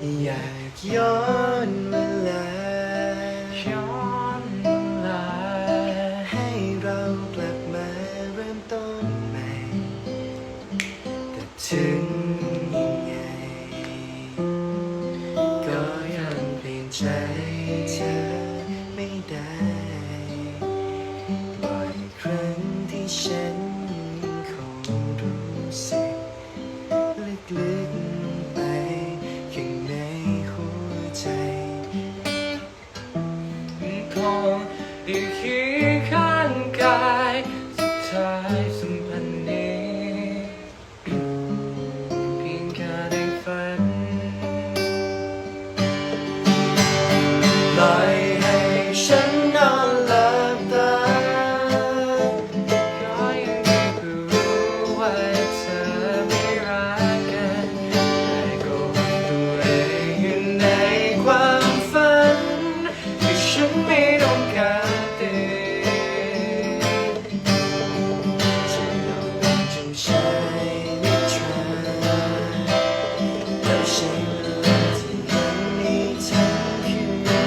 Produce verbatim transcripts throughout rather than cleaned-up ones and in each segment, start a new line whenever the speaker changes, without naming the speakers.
อยากย้อนเวลาย้อนเวลาให้เรากลับมาเริ่มต้นใหม่แต่ถึงยังไงก็ยังเปลี่ยนใจเธอไม่ได้บ่อยครั้งที่ฉันคงรู้สึกลึกๆไปข้างในหัวใจคงอยู่เคียงข้างกายสุดท้ายสัมพันธ์นี้เพียงแค่ได้ฝันปล่อยให้ฉันนอนหลับตาขออย่างเดียวคือรู้ว่าเธอไม่รักกันแต่ก็ตัวเองอยู่ในความฝันที่ฉันไม่ต้องการเตือนจะยอมเป็นเจ้าชายนิทราแต่ใช้เวลาที่ยังมีเธออยู่และ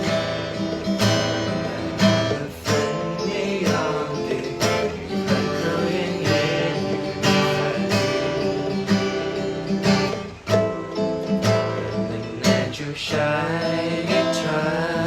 ฝันไม่ยอมตื่นฝันเรายังเล่นอยู่ในฝันนั่นแน่เจ้าชายนิทรา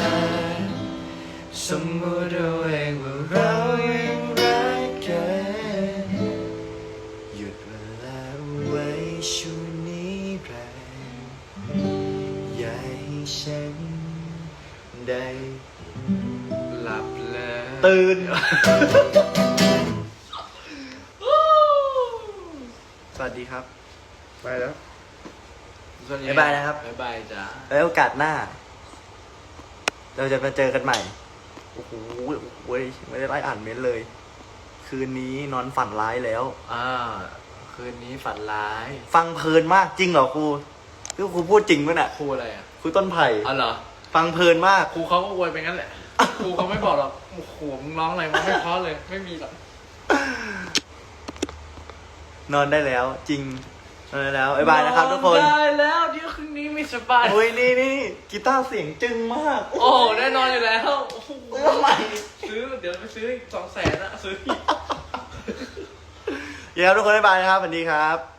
สมมติเอาเองว่าเรายังรักกันหยุดเวลาไว้ชั่วนิรันดร์อย่าให้ฉันได้หลับเลยตื่น สวัสดีครับไปแล้วบ๊ายบายนะครับ
บ๊ายบายจ้า
แล้วโอกาสหน้า เราจะมาเจอกันใหม่ โอ้โหเว้ยไม่ได้ไล่อ่านเม้นต์เลย คืนนี้นอนฝันร้ายแล้ว
อ่าคืนนี้ฝันร้าย
ฟังเพลินมากจริงเหรอครูคือครูพูดจริงมั้ยน่ะ
ครูอะไรอ่ะ
ครูต้นไผ่
อ๋อเหรอ
ฟังเพลินมาก
ครูเขาก็อวยไปงั้นแหละ ครูเขาไม่บอกหรอกโอ้โหมึงร้องอะไรมาไม่เพราะเลย ไม่มีหรอก
นอนได้แล้ว จริงนอนได้แล้วบ๊ายบายนะครับทุกคน
ได้แล้วเดี๋ยวคืนนี้ไม่สบาย
โอ้ยนี่นี่กีตาร์เสียงจึงมาก
โอ้แน่นอนอยู่แล้วโอ้โห
ทำไม
ซื้อเดี๋ยวไปซื้ออีกสองแสนอะซื้ออีก
เดี๋ยวทุกคนบ๊ายบายนะครับสวัสดีครับ